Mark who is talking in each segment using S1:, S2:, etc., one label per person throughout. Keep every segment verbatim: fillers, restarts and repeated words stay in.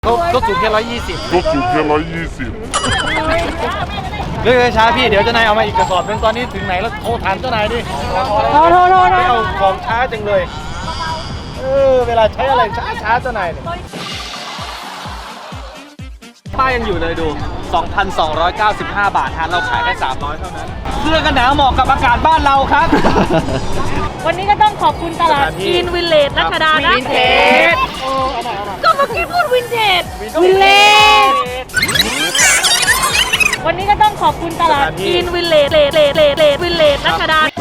S1: เขาเขาสูงแค่ร้อยยี่สิบ
S2: ก็สูงแค่ร้อยยี่สิบ
S1: เรื่องช้าพี่เดี๋ยวเจ้านายเอามาอีกกระสอบนึงตอนนี้ถึงไหนแล้วโทรถามเจ้านายดิ
S3: โทรโทรโทร
S1: ไม่เอาของช้าจังเลยเออเวลาใช้อะไรช้าช้าเจ้านายเนี่ยป้ายยังอยู่เลยดู สองพันสองร้อยเก้าสิบห้า บาทฮะเราขายแค่สามร้อยเท่านั้นเสื้อกันหนาวเหมาะกับอากาศบ้านเราครับ
S3: วันนี้ก็ต้องขอบคุณตลาดกินวินเลจรัชดานะ
S1: วินเทจ
S3: ก็เมื่อกี้พูดวินเทจวินเลจวันนี้ก็ต้องขอบคุณตลาดกินวินเลจเลจเลจเลจเลจวินเลจรัชดา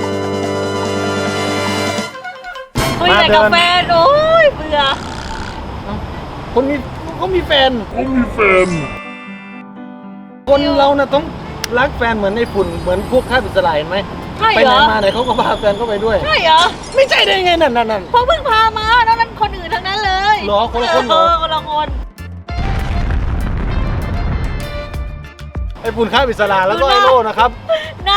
S3: คุยแต่กาแฟโอ้ยเบื่อ
S1: คนมีเขามีแฟน
S2: ก็มีแฟน
S1: คนเราน่ะต้องรักแฟนเหมือนในฝุ่นเหมือนพวกข้าบิสลายเห็นไหม
S3: ใช่
S1: ไป
S3: เห
S1: ไห
S3: ร
S1: น
S3: อ
S1: มาไหนเขาก็พาแฟนเข้าไปด้วย
S3: ใช่เหรอ
S1: ไม่ใช่ได้ไงนั่นนั่นนั่น
S3: เพราะเพิ่งพามาแล้วนั้นคนอื่นทั้งนั้นเลย
S1: เหรอคนละคนเหรอ
S3: เออคนละคน
S1: ไอ้ฝุ่นข้าบิสลาแล้วก็ไอโล่นะครับ
S3: น่า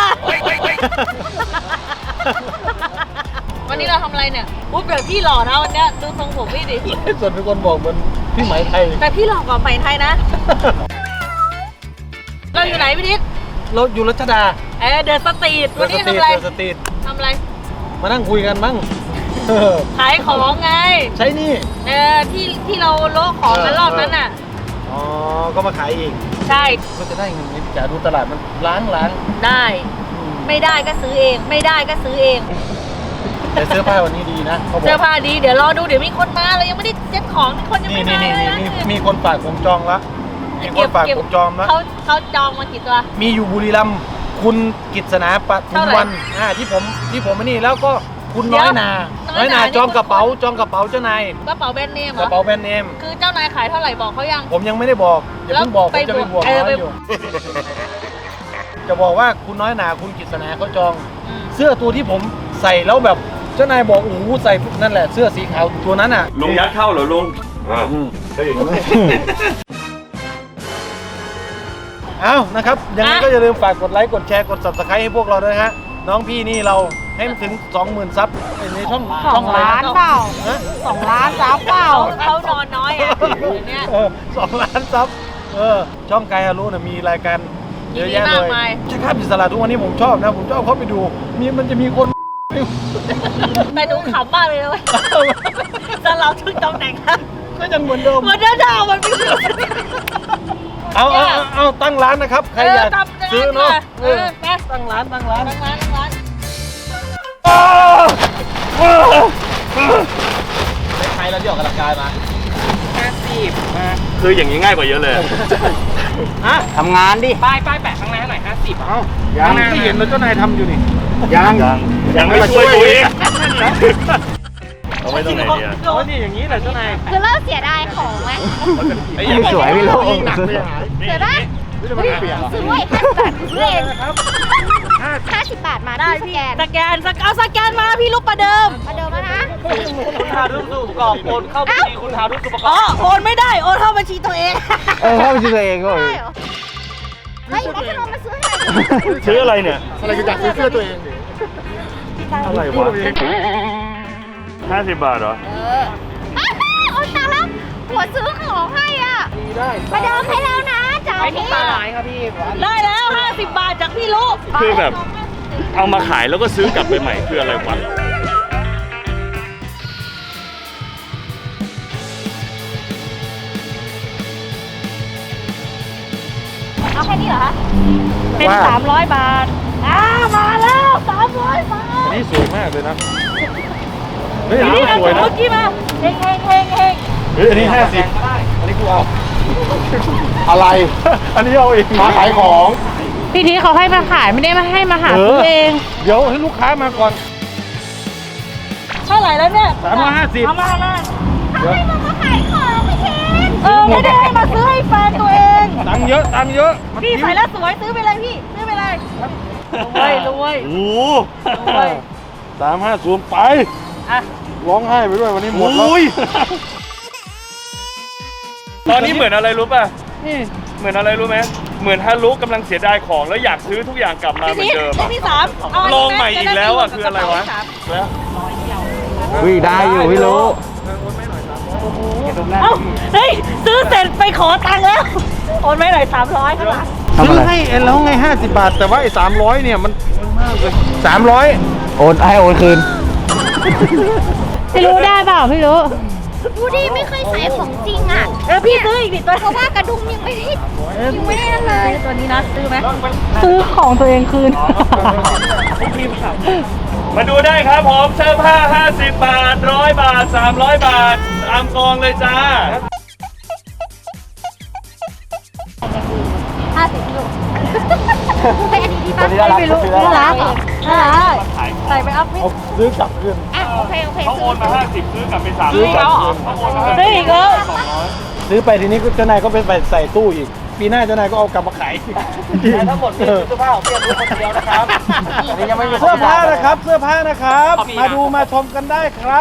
S3: วันนี้เราทำอะไรเนี่ยอุ๊ยแบบพี่หล่อนะวันเนี้ยดูทรงผมพี่ดิ
S1: ส่วนเป็นคนบอกเหมือนพี่ไหมไทย
S3: แต่พี่หล่อกว่าไหมไทยนะ เราอยู่ไหนพี่นิด
S1: เราอยู่รัชดา
S3: เออเดินสตรีทวันนี้ทำอะไร
S1: เดินสตรีท
S3: ทำอะไร
S1: มานั่งคุยกันบ้างเออ
S3: ขายของไง
S1: ใช่นี่
S3: เออที่ที่เราโลกของกันรอบนั้นน่ะ
S1: อ๋อก็มาขายอีก
S3: ใช่
S1: ก็จะได้เงินนี้จ๋าดูตลาดมันล้างล้าง
S3: ได้ ไม่ได้ก็ซื้อเอง ไม่ได้ก็ซื้อเอง
S1: แต่เสื้อผ้าวันนี้ดีนะเขาบอก
S3: เสื้อผ้าดีเดี๋ยวรอดูเดี๋ยวมีคนมาเรายังไม่ได้เซ็ตของคนยัง
S1: นี่
S3: ไม่
S1: นี่
S3: มา
S1: นี่
S3: เลย
S1: นี่
S3: นะ
S1: มีมีคนฝากผมจองละมีคนฝากผมจองละ
S3: เขาเขาจองมากี่ตัว
S1: มีอยู่บุรีรัมย์คุณกิษณาปทุมวันอ่าที่ผมที่ผมไม่นี่แล้วก็คุณน้อยนา
S3: เดี๋ยวน้
S1: น้
S3: อ
S1: อย ย
S3: นา
S1: นา
S3: นี่
S1: จองกระเป๋าจองกระเป๋าเจ้านาย
S3: กระเป๋าแบรนด์เนมเห
S1: ก
S3: รอ
S1: ระเป๋าแบรนด์เนม
S3: คือเจ้านายขายเท่าไหร่บอกเขายัง
S1: ผมยังไม่ได้บอกอย่าเพิ่งบอกผมจะไปบวก
S3: เออ
S1: น้อ
S3: ไป
S1: ยอยู่ จะบอกว่าคุณน้อยนาคุณกิษณาเขาจอง
S3: อืม
S1: เสื้อตัวที่ผมใส่แล้วแบบเจ้านายบอกโอ้โหใส่นั่นแหละเสื้อสีขาวตัวนั้นอ่ะ
S4: ลงยัดเข้าเหรอลุง
S2: อ่า
S4: เฮ้ย
S1: เอานะครับยังไงก็อย่าลืมฝากกดไลค์กดแชร์กด ซับสไครบ์ ให้พวกเราด้วยฮะน้องพี่นี่เราให้มันถึง สองหมื่น ซับในช่องช่องอะไรนะ ฮะ
S3: สองล้านซับเปล่าเขานอนน้อยอ่ะเดี๋ยวเนี้ย
S1: เออสองล้านซับเออช่องไกฮารุน่ะมีรายการเยอะแยะ
S3: มี
S1: เล
S3: มาก
S1: ย
S3: มาย
S1: ใช่ครับอิสระทุกวันนี้ผมชอบนะผมชอบเข้าไปดูมีมันจะมีคน
S3: แต่ดูขำมากเลยนะเว้ยแต่เราถึงตำแหน่งนะ
S1: ก็ยังเหมือนเดิม
S3: เหมือนเดิมดาวมันไม่เหมือน
S1: เอาเอาเอาเอาตั้งร้านนะครับใครอยาก
S3: เออตั้งร้าน
S1: ซื้อเนาะ
S3: เออไป
S1: ตั้งร้านตั้งร้าน
S3: ตั้งร้านตั้งร้าน
S1: ในไทยเราที่ออกกำลังกายมา
S4: คืออย่างนี้ง่ายกว่าเยอะเลย
S1: ฮะ
S5: ทำงานดิ
S3: ป้ายป้ายแปะข้างหน้าหน่อยห้าสิบ
S1: เอ้ายังไม่เห็นเลยเจ้านายทำอยู่นี่
S2: ยัง
S4: ยังยังไม่ช่วยตัวเองเอาไว้ตรงไหนดีอะ
S1: โอ้ยนี่อย่างนี้แหละเจ้านาย
S6: คือเริ่มเสียดายของไหม
S4: ไอ้อย่าง
S5: สวยพี่โล
S1: ยิ่งหนักเลยหาย
S6: เสียดาย
S1: ไม่ได้มาเปลี่ยนหรอ
S6: ซื้อไว้ห้าสิบบาทซื้อเอง
S1: นะครับ
S6: ห้าสิบบาทมา
S3: ได้
S6: ที่ส
S3: พี่
S6: แกน
S3: สแกนสแกนเอาสแกนมาพี่ลูกประเดิม
S6: มาเดิมแล้วนะ
S1: คุณหาดูสูประกอบโอนเข้าบัญชีคุณหาดูสูประก
S3: อ๋
S1: อ
S3: อบ โอนไม่ได้โอนเข้าบัญชีตัวเอง
S5: เออเข้าไปซื้อตัวเองก็
S6: ได้เหรอเฮ้ยแล้วจะลงมาซื้อให้
S4: ซื้ออะไรเนี่ย
S1: อะไรก็อยากซื้อเสื้อตัวเองดิ
S4: อะไรวะห้าสิบบาทเหรอ
S6: เอออ้าวโอนตังค์แล้วหัวซื้อของให้อ่ะ
S1: ได้
S6: มาเดิมให้แล้วนะจ่ายที่
S3: ได้แล้วห้าสิบบาทจากพี่ลูก
S4: คือแบบ เอามาขายแล้วก็ซื้อกลับไปใหม่คืออะไรวะ
S6: เอาแค่นี้เหรอคะ
S3: เป็นสามร้อยบาทอ้ามาแล้วสามร้อยบาท
S1: อันนี้สวยมากเลยนะเฮ้ยอัน
S3: นี่
S1: นี้
S3: นะ
S1: สวยนะ
S3: เมื่อกี้มาเฮงเฮงเฮงเฮง
S1: เฮ้ยอันนี้ห้าสิบอันนี้กูเอา
S5: อะไร
S1: อันนี้เอาเอง
S5: มาขายของ
S3: พี่ทีเขาให้มาขายไม่ได้มาให้มาหาซื้อเอง
S1: เดี๋ยวให้ลูกค้ามาก่อน
S3: เท่าไหร่แล้วเนี่ย
S1: สามร้อยห้าสิบ
S3: เอามาเอามา
S1: เดี๋ยว
S6: มาขายของไม่เช่น
S3: เออไม่ได้ให้มาซื้อให้แฟนตัวเอง
S1: ตังค์เยอะตังค์เยอะ
S3: พี่ใส่แล้วสวยซื้อไปเลยพี่ซื้อไปเลยรวยรวย
S4: โอ้
S3: รวย
S1: สามห้าศูนย์ไป
S3: อ่ะ
S1: ร้องไห้ไปด้วยวันนี้หมดแล้ว
S4: โอ้ยตอนนี้เหมือนอะไรรู้ป่ะ เหมือนอะไรรู้ไหมเหมือนฮารุกำลังเสียดายของแล้วอยากซื้อทุกอย่างกลับมาเหมือนเดิม
S3: พี่
S4: อะ
S3: พี่สามเอาน
S4: ล
S3: นี้
S4: องใหม่อีกแล้วอะคืออะไรวะ
S1: แล้ว
S5: วิได้อยู่พี่รู้
S3: เอ้าเฮ้ยซื้อเสร็จไปขอตังค์แล้วโอนไม่หน่อยสามร้อยครับ
S1: ซื้อให้เอ็นแล้วไงห้าสิบบาท แต่ว่าไอ้สามร้อยเนี่ยมันมากเลยสามร้อย
S5: โอนให้โอนคืน
S6: พี่รู้ได้เปล่าพี่รู้ดูดิไม่เคยใส่ของจริงอ่ะ
S3: เออพี่ซื้ออีกดิตัว
S6: เพราะว่ากระดุมยังไม่ได้ยังไม่ได้นั่นเลย
S3: ตัวนี้นะซื้อไหม
S6: ซื้อของตัวเองคืน
S4: มาดูได้ครับผมเสื้อผ้าห้าสิบบาทหนึ่งร้อยบาทสามร้อยบาทตามกองเลยจ้า
S6: ห้าสิบลูกไปอันนี้ดีป่ะไม่รู้น่ารักน่ารักใส่ไปอัพพี่
S1: เอาซื้อกลับคืน
S6: อ่ะโอเคโอเค
S4: เขาโอนมาห้าสิบซื้อกลับเป็นสาม
S1: ซื้อกลับคืน
S3: ซื้ออีกแล้ว
S1: ซื้อไปทีนี้เจ้านายก็ไปใส่ตู้อีก ปีหน้าเจ้านายก็เอากลับมาขายทั้งหมดนี่เสื้อผ้าของเพียรคนเดียวนะครับยังไม่มีเสื้อผ้านะครับ เสื้อผ้านะครับ มาดูมาชมกันได้ครับ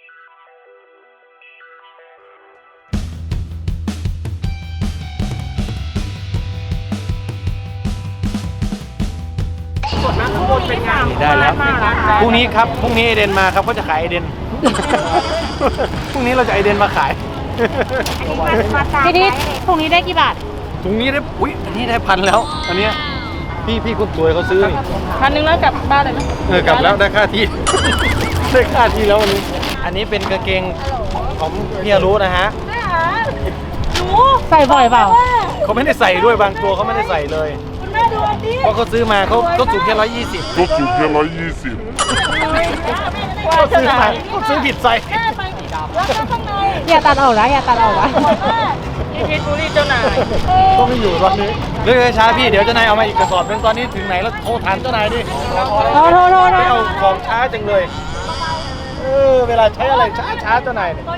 S1: ได้แล้วพรุ่งนี้ครับพรุ่งนี้เอเดนมาครับเขาจะขายเอเดน พรุ่งนี้เราจะเอเดนมาขาย
S6: ทีนี้พรุ่งนี้ได้กี่บาท
S1: ถุงนี้ได้อุ้ยอันนี้ได้พันแล้ว อันเนี้ยพี่พี่คุณสวยเขาซื้อนี่
S3: พันหนึ่งแล้วกลับบ้านเลยไหม
S1: เออกลับแล้วได้ค่าที่ ได้ค่าที่แล้ววันนี้ อันนี้เป็นกางเกงของพี่อรู้นะฮะ
S3: หนู
S6: ใส่บ่อยเปล่า
S1: เขาไม่ได้ใส่ด้วยบางตัวเขาไม่ได้ใส่เลย
S3: คุณแม่ดูอันนี้
S1: เพราะเขาซื้อมาเขาเขาสูงแค่ร้อยยี่สิบ
S2: ก็สูงแค่ร้อยยี่สิบ
S1: เขาซื้อมาเขาซื้อผิดไซส์
S3: แม่ไปสิแล้วก็ข้างใน
S6: อย่าตัดออกนะอย่าตัดออกนะ
S3: นี่เพชรบุรีเจ้านาย
S1: ก็ไม่อยู่ตอนนี้เรื่องช้าพี่เดี๋ยวเจ้านายเอามาอีกกระสอบหนึงตอนนี้ถึงไหนแล้วโทรถามเจ้านายดิ
S6: โทรโทรโทรโทร
S1: ไม่เอาของช้าจังเลย เออเวลาใช้อะไรช้าช้าเจ้านายเนี่ย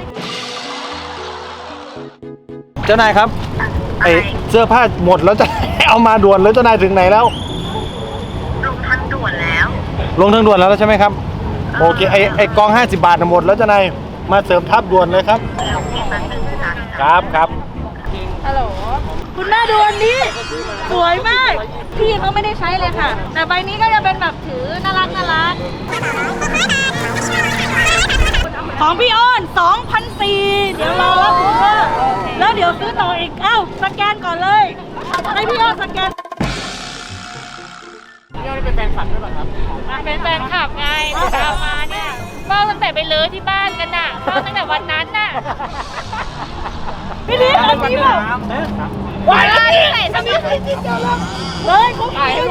S1: เจ้านายครับไอเสื้อผ้าหมดแล้วจะ เอามาด่วนแล้วเจ้านายถึงไหนแล้ว
S7: ลงทางด่วนแล้ว
S1: ลงทางด่วนแล้วใช่ไหมครับโอเคไอไอกองห้าสิบบาทน่ะหมดแล้วเจ้านายมาเสริมทับด่วนเลยครับ
S7: ลงที่แป๊บนึงจ้ะ
S1: ครับครับ
S3: คุณแม่ดูอันนี้ สวยมาก พี่เขาไม่ได้ใช้เลยค่ะ แต่ใบนี้ก็จะเป็นแบบถือน่ารักน่ารักของพี่อ้อนสองพันสี่เดี๋ยวรอรับคุณพ่อแล้วเดี๋ยวซื้อต่ออีก เอ้า สแกนก่อนเลย ให้พี่อ้อนสแกน
S8: เป็นแฟนคลับไงตามมาเนี่ยเฝ้าตั้งแต่ไปเลื้อที่บ้านกันน่ะเฝ้าตั้งแต่วันนั้นน่ะ
S3: พี่นี่อันนี้แบบว้ายอันนี้ไหนทำไมเลยเขาขายอยู่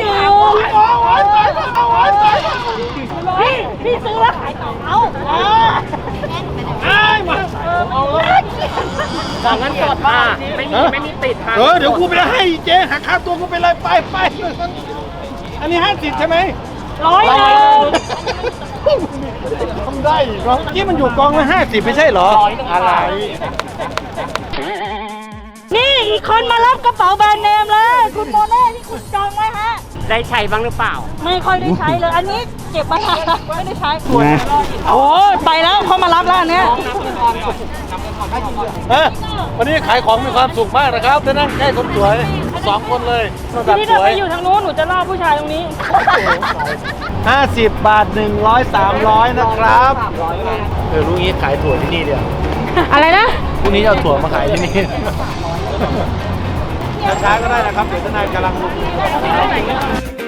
S3: พี่พี่ซื้อแล้วขายต่อเอาไอ้มาเอาเงินสดมาไม่มีไม่มีติดเออเดี๋ยวกูไปให้เจ๊หักค่าตัวกูไปเลยไปไปอันนี้ห้าสิบใช่ไหมร้อยเลยทำได้อีกเหรอที่มันอยู่กองละห้าสิบไม่ใช่เหรออะไร นี่อีกคนมารับกระเป๋าแบรนด์เนมเลยคุณโมเน่ที่คุณจองไว้ฮะ
S8: ได้ใช้บ้างหรือเปล่า
S3: ไม่ค่อยได้ใช้เลย อันนี้เก็บมานานไม่ได้ใช้โอ้ไปแล้วเขามารับแล้วอันเนี้ย
S1: เออวันนี้ขายของมีความสุขมากนะครับจะนั่งใกล้คนสวยสองคนเลยระดับ
S3: พี่
S1: ส
S3: เดิน
S1: ว
S3: ไป
S1: ย
S3: อยู่ทางนู้นหนูจะล่อผู้ชายตรงนี้
S1: ห้าสิบบาทหนึ่งร้อยสามร้อยนะครับเออรู้งี้ขายถั่วที่นี่เดียว
S6: อะไรนะ
S1: พรุ่งนี้จะเอาถั่วมาขายที่นี่ช้าๆก็ได้นะครับเดี๋ยวทนายกำลังลง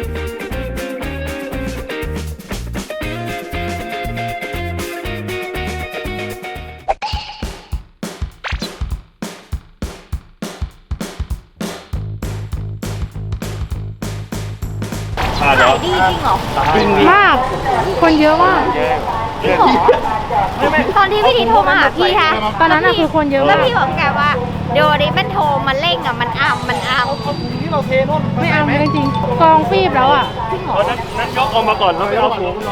S4: อ่าเดี๋ยว
S6: ดีจริงเหรอ
S1: จริง
S6: มาก คนเยอะมากตอนที่พี่ทีโทรมาหาพี่คะตอนนั้นอะคือคนเยอะ
S7: แล้ว
S6: มาก
S7: พี่บอกแกว่าเดี๋ยวนี้มันโทรมาเร่งอ่ะมันอ้ำมันอ้ำ
S1: ที่เราเทนู่น
S6: ไม่เอาจริงๆกองฟีบแล้วอะ
S4: เอานั้นนั้นยกออกมาก่อนแล้วไปเอาถุง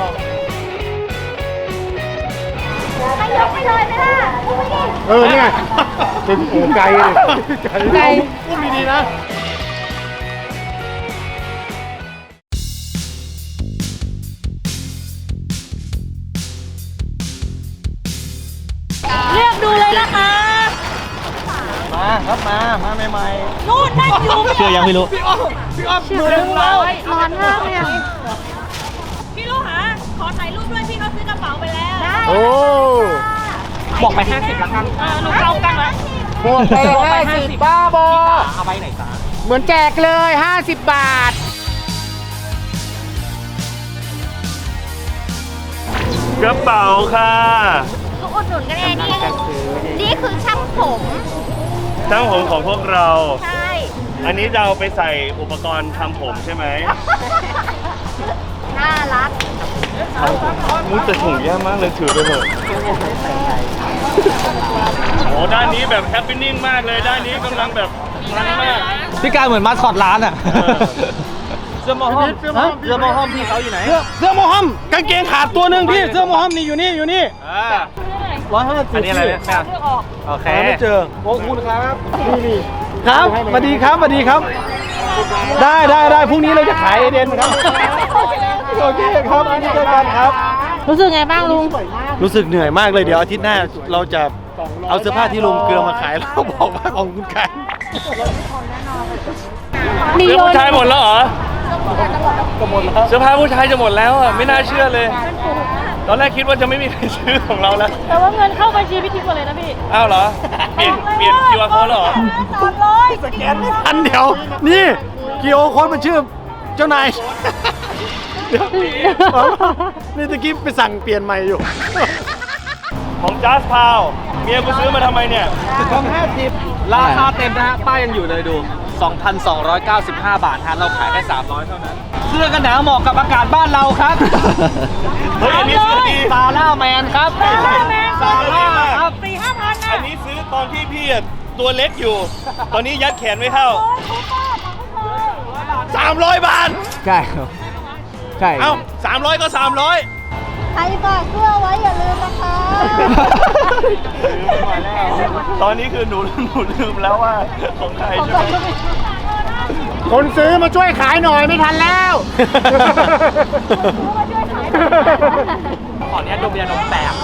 S7: ให้ยกไปเลยไหมล่ะ
S1: เออเนี่ยเป็นโอ้ไกลเลย
S6: ไกล
S1: พูดดีๆนะ
S3: เลือกดูเลยนะคะ
S1: มาครับมามาใหม่
S3: นู่นนั่งอยู่
S1: ๆเชื่อยังไม่รู้พี่อ้อมพี่อ้อมมือหนึ่งแล้ว
S6: ร้อนมากเลยอะ
S3: พี่ลูกหาขอถ่ายรูปด้วยพี่เขาซื้อกระเป๋าไปแล้ว
S1: โอ้
S8: บอกไปห้าสิบละกัน
S3: เออหนูเอากันไว้
S7: ห
S5: หมวกไปห้าสิบบ้าบอเอาไปไหนจ้าเหมือนแจกเลยห้าสิบบาท
S4: กระเป๋าค่ะ
S7: ก็อุดหนุนกันเองนี่นี่คือช่างผม
S4: ช่างผมของพวกเรา
S7: ใช่
S4: อันนี้จะเอาไปใส่อุปกรณ์ทำผมใช่ไหม
S7: น่ารัก
S4: มุ้แต่ถุงแย่มากเลยถือไปเถอะโอ้ด้านนี้แบบแฮปปี้นิ่งมากเลยด้านนี้กำลังแบบมันมาก
S5: พี่การเหมือนมาสคอตร้านอ่ะ
S4: เออ
S1: เสื้อหมอห้อม
S5: เสื้อหมอห้อม
S1: เสื้อหมอห้อมพี่เขาอยู่ไหน เสื้อเสื้อหมอห้อมกางเกงขาดตัวหนึ่งพี่ เสื้อหมอห้อมนี่อยู่นี่อยู่นี่ร้อยห้าสิบ
S4: อันนี้อะไรเนี่ยแม่โอเค
S1: หาไม่เจอโอ้คุณครับนี่นี่ครับสวัสดีครับสวัสดีครับ ได้ได้ได้พรุ่งนี้เราจะขายเอเดนครับโอเคครับนี่เจอกันครับ
S3: รู้สึกไงบ้างลุง
S1: รู้สึกเหนื่อยมากเลยเดี๋ยวอาทิตย์หน้าเราจะเอาเสื้อผ้าที่ลงเกลือมาขายแล้วบอกว่าของคุณขาย
S4: เสื้อผู้ชายหมดแล้วเหรอเสื้อผ้าผู้ชายจะหมดแล้วอ่ะไม่น่าเชื่อเลย ตอนแรกคิดว่าจะไม่มีใครซื้อของเราแล้ว
S3: แต่ว่าเงินเข้าบัญชีพี่ทิพย์หมดเลยนะพี่
S4: อ้าวเหรอ เปลี่ยนเปลี่ยนคิวอาร์ code แล้วเหรอ
S3: สามร้อย
S1: สแกนไม่ทันเดี๋ยว นี่กิโอโค้ดมันชื่อเจ้านายเดี๋ยวนี่ตะกี้ไปสั่งเปลี่ยนใหม่อยู่
S4: ของจัสพาวเมียกูซื้อมาทำไมเนี่ย
S1: ของห้าสิบ
S5: ราคาเต็มนะฮะ ป้ายยังอยู่เลยดู สองพันสองร้อยเก้าสิบห้า บาทฮะเราขายแค่สามร้อยเท่านั้น เสื้อกันหนาวเหมาะกับอากาศบ้านเราครับ
S4: เฮ้ย อันนี้ซื้อดี
S5: ซาร่าแมนครับ
S3: ซาร่าแมน
S4: ซาร่าครับ
S3: สี่ห้าพัน
S4: อั
S3: นะ
S4: นนี้ซื้อตอนที่พี่อะตัวเล็กอยู่ ตอนนี้ยัดแขนไม่เข้า สามร้อย บาท
S5: ใช่ครับ ใช่
S4: เอ้าสามร้อยก็สามร้อย
S6: ใครฝากเสื้อไว้อย่าลืมนะคะ
S4: ตอนนี้คือหนูหนูลืมแล้วว่าของใครใช่ไหม
S1: คนซื้อมาช่วยขายหน่อยไม่ทันแล้ว
S5: ขออนุญาตดมยาดมแป๊บ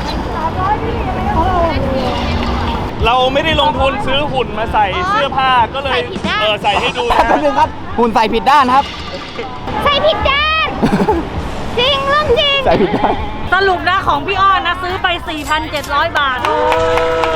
S4: เราไม่ได้ลงทุนซื้อหุ่นมาใส่เสื้อผ้าก็เลยเออใส่ให้ดูนะ
S5: แป๊บนึงครับ หุ่นใส่ผิดด้านครับ
S7: ใส่ผิดด้าน จริงเรื่องจริง
S5: ใส่ผิดด้าน
S3: สรุปนะของพี่อ้อนนะซื้อไป สี่พันเจ็ดร้อย บาท เย้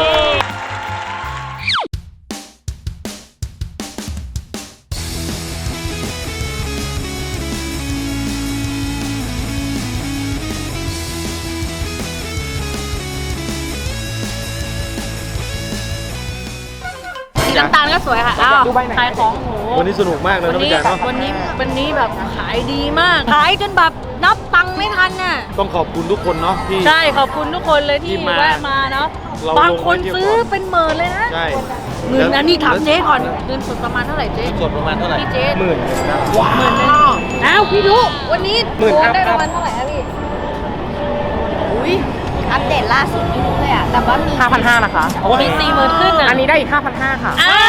S3: น้ำตาลก็สวยค่ะ อ้าวขายของโห
S1: วันนี้สนุกมากเลย
S3: วัน
S1: นะ
S3: นี้
S1: พี่แจ๊คเนาะ
S3: วันนี้วันนี้แบบขายดีมาก ขายจนแบบนับตังค์ไม่ทันน่ะ
S1: ต้องขอบคุณทุกคนเนาะที่
S3: ใช่ขอบคุณทุกคนเลยที่
S1: ที่มา
S3: แวะมาเนาะ
S1: เรา
S3: บางคน
S1: ลงไว้เที่ยว
S3: ซื้อ
S1: ก่อน
S3: เป็นหมื่นเลยนะ
S1: ใช่
S3: หมื่นอันนี้ถามเจ๊ก่อนเงินสดประมาณเท่าไหร่เจ๊
S1: สดประมาณเท่าไหร่
S3: พี่เจ๊
S1: หมื่นหนึ่งนะ
S3: หมื่นหนึงอ้าวพี่รู้วันนี้
S1: หมื่น
S3: โด
S1: ครับ
S3: ได้ประมาณเท่าไหร่อะพี่อุ้ย
S7: อัปเดตล่าสุดไม่รู้เลยอะแต่ว่ามี
S5: ห้าพันห้านะคะ
S3: มีสี่หมื่นขึ้นอ่ะ
S5: อันนี้ได้อีกห้าพันห้าค่ะ
S3: อ้าว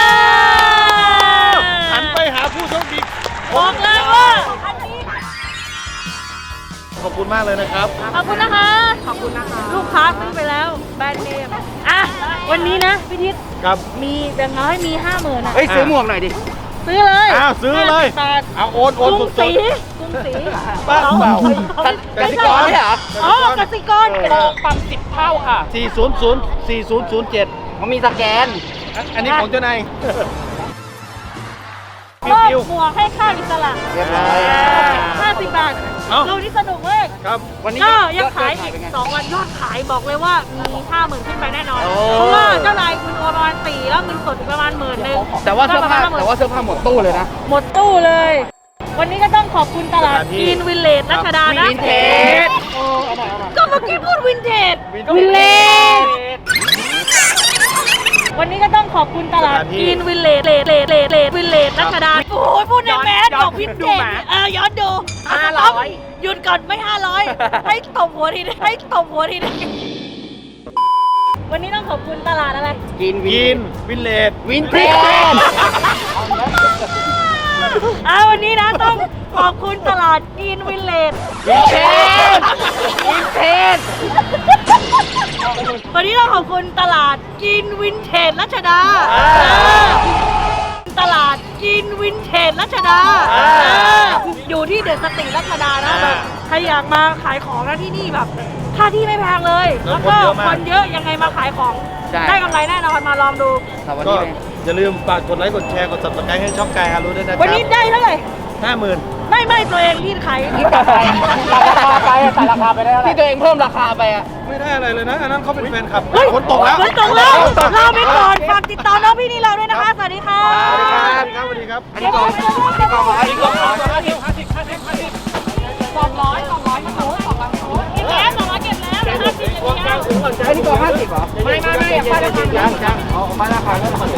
S1: หันไปหาผู้โชคดี
S3: บอกเลยว่าอันนี้
S1: ขอบคุณมากเลยนะครับ
S3: ขอบคุณนะคะ ขอบคุณนะคะ ลูกค้าซื้อไปแล้วแบรนด์เนมอ่ะวันนี้นะพี่ทิศ
S1: ครับ
S3: มีแบ่งน้อยมีห้าหมื่นอ่ะ
S5: เฮ้ย ซื้อหมวกหน่อยดิ
S3: ซื้อเลย
S1: อ้าวซื้อเลย
S3: ห้าสิบบาท
S1: เอาโอนโอน
S3: กรุง
S1: ส
S3: ศรี
S1: ด
S3: กรุงศรี
S1: บ้าเปล่า
S3: ไม่
S1: กสิกร
S3: ใช่
S1: เหรอ
S3: อ๋อกสิกร
S5: โปรปั๊มสิบเท่าค่ะ
S1: สี่ศูนย์ศูนย์สี่ศูนย์ศูนย์เจ็ด
S5: มันมีสแกน
S1: อันนี้ของเจ้านาย
S3: มอบหมวกให้ค่าอิสระ
S1: เรียบร้อย
S3: ห้าสิบบาท
S1: เอ้า
S3: ดูนี่สนุกมาก
S1: ครับ
S5: วันนี้
S3: ก็
S5: ย
S3: ยัง
S5: อด
S3: ขาย
S5: ยอด
S3: อีก
S5: เป็นไง
S3: สองวันยอดขายบอกเลยว่ามีห้าหมื่นขึ้นไปแน่นอน
S5: โอ้
S3: เพราะว่าเจ้านายคุณโอนประมาณสี่แล้วเงินสดอีกประมาณหมื่นหนึ่ง
S5: แต่ว่าเสื้อผ้า
S3: ก็ประมณ
S5: แต่ว่าเสื้อผ้าหมดตู้เลยนะ
S3: หมดตู้เลย วันนี้ก็ต้องขอบคุณตลาด
S1: สถานที่
S3: กินวิลเลจรัชดานะ
S5: วินเทจ
S3: ก็เมื่อกี้พูดวินเทจวิลเลจวันนี้ก็ต้องขอบคุณตลาด
S1: สถานที่
S3: กินวิลเลจเลจเลจเลจเลจวิลเลจรัชดาโอ้ยพูดในแมสบอกวินเทจเออย้อนดู
S5: ห้าร้อย
S3: หยุดก่อนไม่ห้าร้อยให้ตบหัวทีนึงให้ตบหัวทีนึงวันนี้ต้องขอบคุณตลาดอะไร
S5: กิน
S1: กินวินเลด
S5: วินเทจ
S3: อ่าวันนี้นะต้องขอบคุณตลาดกินวิลเลจ
S5: วินเทจวินเทจ
S3: วันนี้ต้องขอบคุณตลาดกินวินเทจรัชดาตลาดกินวินเทจรัชดาอยู่ที่เดอะสตรีทรัชดานะแบบใครอยากมาขายของนะที่นี่แบบค่าที่ไม่แพงเลย แล้วก็คนเยอะยังไงมาขายของ
S5: ใช่
S3: ได้กำไรแน่นอนมาลองดู
S5: ครับวัน
S1: ก็
S5: นี้
S1: อย่าลืมฝากกดไลค์กดแชร์กด subscribe ให้ช่องกายฮารุด้วยนะครั
S3: วันนี้ได้เท่าไหร่
S1: ห้าหมื่น
S3: ไม่ไม่ตัวเองที่ขายที่
S5: ตัดราคาไปตัดราคาไปได้ที่ตัวเองเพิ่มราคาไปอ่ะ
S1: ไม่ได้อะไรเลยนะ อันนั้นเขาเป็นแฟนคลับ
S3: เฮ้ย
S1: ฝนตกแล้ว
S3: ฝนตกแล้วลาไปก่อน ฝากติดต่อน้องพี่นี่เราด้วยนะคะ สวัสดีค่ะ
S1: สวัสดีครับสวัสดีครับ
S5: อันนี้กล่องอันนี้กล่องอันนี้กล่องห้าสิบห้าสิบห้าสิบห้าสิบ
S8: สองร้อยสองร้อยมันโอ้สองร้อยเก็บแล้วสองร้อยเก็บแล้วห้าสิบอย่างเดียว
S5: อันนี้กล่องห้าสิบเหรอไม่ไม่ไม่อย่าพลาดราคายังยังเอามาราคาแล้ว